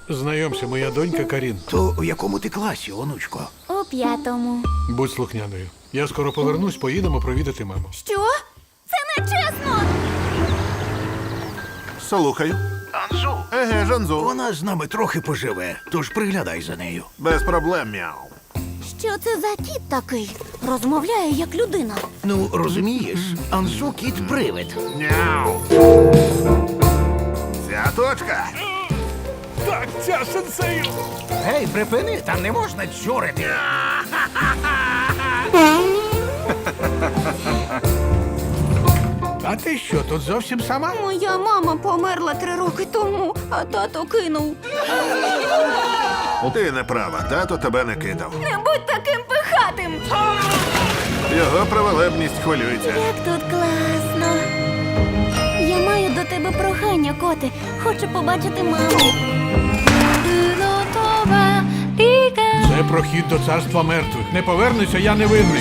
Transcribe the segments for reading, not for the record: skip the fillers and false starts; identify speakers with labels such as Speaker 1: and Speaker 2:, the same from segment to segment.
Speaker 1: Знайомся, моя донька Карін.
Speaker 2: То у якому ти класі, онучко?
Speaker 3: У 5-му.
Speaker 1: Будь слухняною. Я скоро повернусь, поїдемо провідати маму.
Speaker 3: Що? Це не чесно!
Speaker 4: Слухаю.
Speaker 2: Анзу.
Speaker 4: Еге, Жанзу.
Speaker 2: Вона з нами трохи поживе, тож приглядай за нею.
Speaker 4: Без проблем, мяу.
Speaker 3: Що це за кіт такий? Розмовляє як людина.
Speaker 2: Ну, розумієш, Анзу кіт-привид.
Speaker 4: Мяу. Ця точка.
Speaker 1: Так, ця сенсею!
Speaker 2: Гей, припини, там не можна чурити.
Speaker 1: А ти що, тут зовсім сама?
Speaker 3: Моя мама померла 3 роки тому, а тато кинув.
Speaker 4: Ти не права, тато тебе не кидав.
Speaker 3: Не будь таким пихатим!
Speaker 4: Його праволебність хвилюється.
Speaker 3: Як тут класно. Я маю до тебе прохання, коти. Хочу побачити маму.
Speaker 1: Це прохід до царства мертвих. Не повернуся, я не винний.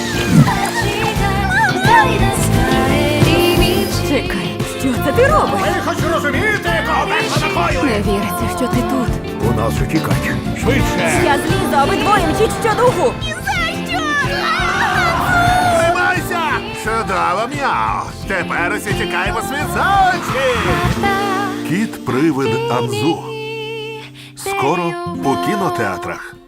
Speaker 5: Чекай, що це ти робиш?
Speaker 2: Ви хоч розумієте, кого перша накоює?
Speaker 5: Не віриться, що ти тут.
Speaker 2: У нас утікач.
Speaker 1: Швидше!
Speaker 5: Я злізу, а ви двоє мчіть щодуху.
Speaker 4: Тримайся! Чудово, мяу. Тепер усі тікаємо світ за очі. Кіт-привид Анзу. Скоро у кінотеатрах.